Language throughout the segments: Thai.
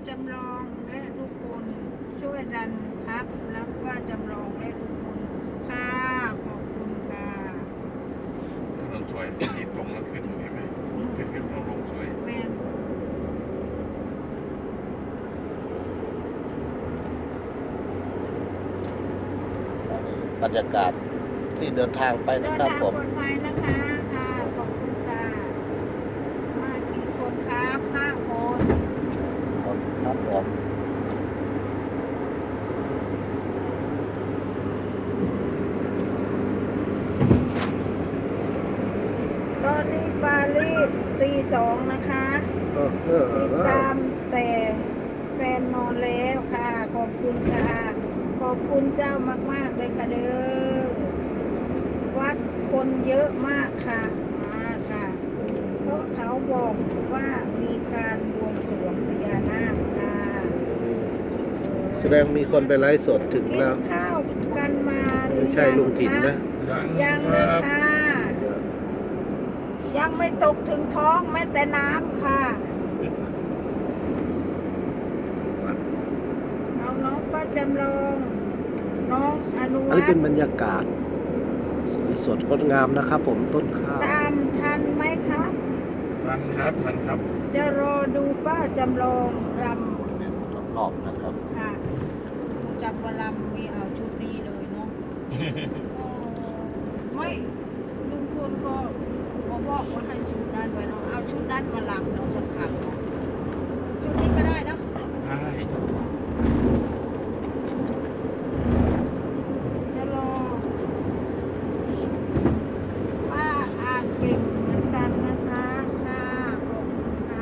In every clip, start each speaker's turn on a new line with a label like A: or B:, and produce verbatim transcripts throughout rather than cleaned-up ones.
A: จำลองและทุกคนช่วยดันครับแล้วป้าจำลองและทุกคนค่ะขอบคุณค่ะ
B: ถนนสวยสีตรงแล้วขึ้นเห็นไหมขึ้นขึ้นลงลงสวย
A: แม่น
C: บรรยากาศที่เดินทางไป
A: เดิ
C: นะ
A: น
C: ครับ
A: ทาง
C: ผ
A: ป
C: ม
A: ลอดภัยนะคะค่ะขอบคุณค่ะมากี่คนครับห้าคน
C: ครับผม
A: ตอนนี้ปารีสตีสองนะคะ
C: เออเออเอ
A: ติด
C: อ
A: ตามแต่แฟนนอนแล้วค่ะ ขอบคุณค่ะ ขอบคุณเจ้ามากๆเลยค่ะเด้อวัดคนเยอะมากค่ะมาค่ะ เพราะเขาบอกว่ามีการบวงสรวงพญานาคค่ะ
C: แสดงมีคนไปไลฟ์สดถึง
A: กิน
C: แล้ว
A: ข้าวกันมาหรือ
C: ไม่ใช่ลุงถิ่นนะ
A: ยังเลยค่ะ ยังไม่ตกถึงท้องแม้แต่น้ำค่ะ น้องน้องป้าจำลอง น้องอนุ
C: อัน
A: วั
C: นี้
A: ฒ
C: เป็น
A: น์
C: บรรยากาศสวยสดงดงามนะครับผมต้นข้าว
A: ตามทันไหมคะ
B: ทันครับทันครับ
A: จะรอดูป้าจำลองร
C: รอบๆนะครับ
A: ำค่ะจับวารำมีเอาชุดนี้เลยเนาะ โอ้ไม่ลุงพลก็บอกบอกว่าให้ชุดนั้นไว้เนาะเอาชุดนั้นมาลำเนาะสำคัญเนาะชุดนี้ก็ได้เนาะ
B: ได้
A: จะรอป้าอ่านเก่งเหมือนกันนะคะค่ะขอบคุณค่ะ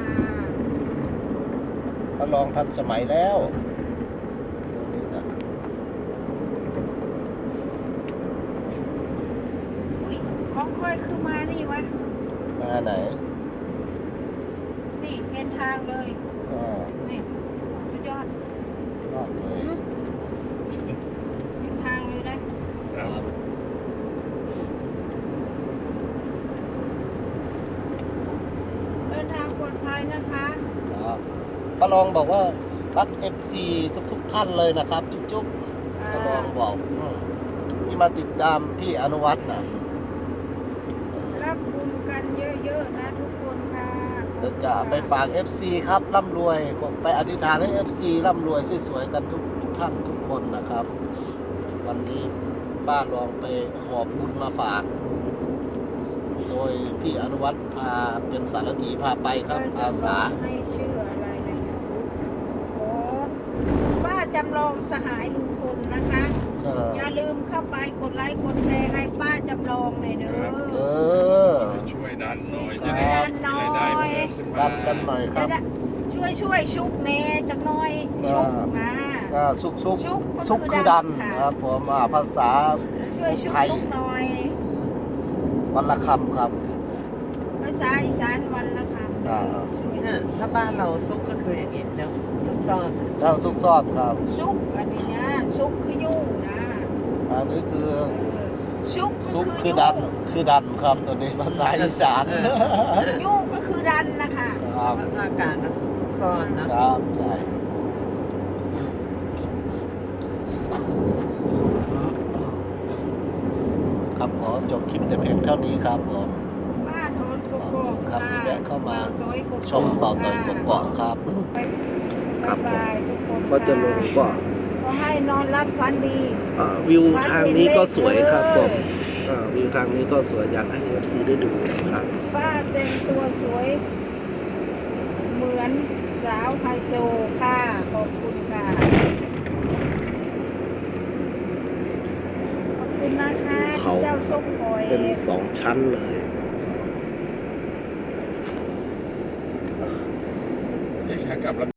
C: ก็ลองทันสมัยแล้วนี่นะ
A: อุ้ยของค่อยคือมานี่วะ
C: มาไหน
A: นี่เห็นทางเลย
C: ก็
A: นี่สุดยอด
C: รอดเลย
A: เห็นทางเลยได้
B: ครับ
A: เดินทางปลอดภัยนะคะ
C: ครับป้าลองบอกว่ารักเอฟซีทุกๆท่านเลยนะครับ จุ๊บๆป้าลองบอกอืมที่มาติดตามพี่อนุวัฒน์นะ
A: รับบุญกันเยอะๆนะทุกคนค่ะ
C: เดี๋ยวจะไปฝาก เอฟ ซี ครับร่ำรวยผมไปอธิษฐานให้ เอฟ ซี ร่ำรวยสวยๆกันทุกทุกท่านทุกคนนะครับ วันนี้ป้าลองไปหอบบุญมาฝาก โดยพี่อนุวัฒน์พาเป็นสารถีพาไปครับอาสา
A: ให้ชื่ออะไรนะคะโอ้ป้าจำลองสหายลุงพลนะคะ
C: เออ
A: อย่าลืมเข้าไปกดไลค์กดแชร์ให้ป้าจำลองหน่อยเด้
C: เอ
A: อ
C: อ
B: ช่วยดันหน่อย
A: ช่
B: จะ
A: วย
B: ได้
A: ดันหน่อย
B: จะได้เพิ่มขึ้น
C: รั
B: มา
C: บกันหน่อยค
A: จะ
C: รับ
A: ได้ช่วยช่วยชุบเมจักหน่อยชุบมา
C: ก็ซุกซุก
A: ซุกก็
C: ซุก
A: คือ
C: คือดัน
A: ดันค่ะ
C: ครับผมอ่าภาษา
A: ช่วยชุบ
C: ไทย
A: ชุบหน่อย
C: วันละคำครับ
A: ภาษาอีสานวันละค่ะ
C: อ่า
D: เนี่ยถ้าบ้านเราซุกก็คืออย่างนี้แล้วซุกซ่อน
C: แล้วซุกซ่อนครับ
A: ชุบอันนี้นะชุบคือยุ่งนะ
C: อันนี้คือ
A: ชุบ
C: ซุก
A: ก็
C: คือดันคือดันครับตัวนี้ภาษาอีสาน
A: ยุ่งก็คือดันนะคะ
C: ครับ
D: ภาคกลางก็ซุกซ่อนนะครับ
C: ใช่ครับขอจบคลิปแต่เพียงเท่านี้ครับผม
A: บ้านโทนกบก
C: ครับที่แวะเข้ามา
A: โดยกบ
C: ชมเป่าต่อยกบๆครับ
A: บ๊ายบายทุกคน
C: ก็จะลงก็
A: ขอให้นอนรับฝันดี
C: อ่าวิวทางนี้ก็สวยครับผมอ่าวิวทางนี้ก็สวยอยากให้ เอฟ ซี ได้ดูครับ
A: ป้าแต่งตัวสวย เหมือนสาวไฮโซค่ะ ขอบคุณค่ะ ขอบคุณนะคะ
C: เขา
A: ที่เจ้าส้มหอย
C: เป็นสองชั้นเลย
B: นี่ขากลับแล้ว